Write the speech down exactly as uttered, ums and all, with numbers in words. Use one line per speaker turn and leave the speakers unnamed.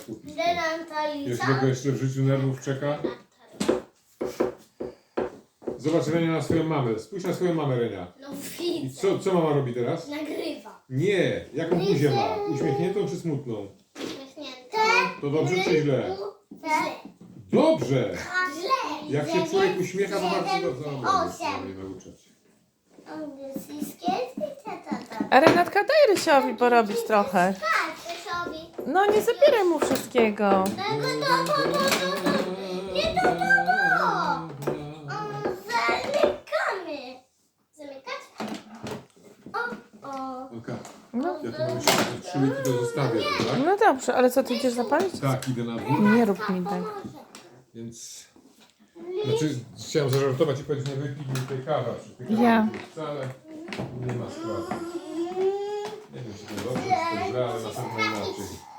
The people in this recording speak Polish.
skupić.
Denantaliza.
Jakiego go jeszcze w życiu nerwów czeka? Zobacz, Renia, na swoją mamę. Spójrz na swoją mamę, Renia.
No
I
widzę.
co, co mama robi teraz?
Nagrywa.
Nie, jaką buzię ma? Uśmiechniętą czy smutną?
Uśmiechnięte.
To dobrze czy źle?
Źle.
Dobrze!
Źle.
Jak się człowiek uśmiecha, to bardzo dobrze. No, dobra,
Osiem.
nie nauczać się.
Angielskie. Tata.
A Renatka, daj Rysiowi porobić trochę.
Tak, Rysiowi.
No nie zabieraj mu wszystkiego.
Tego to, to, to, to, to. Nie to, to, to. O, zamykamy. Zamykać? O, o.
Olka,
No,
ja tu mam jeszcze te trzy łyki do zostawię, tak?
no dobrze, ale co, ty idziesz zapalić?
Tak, idę na dwór,
Nie rób mi tak.
więc... Znaczy, chciałem zażartować i powiedzieć, nie wypij mi tej kawy, przy tej kawie
Ja.
wcale nie ma sprawy. Nie wiem, czy to dobrze, czy to źle, ale na pewno inaczej.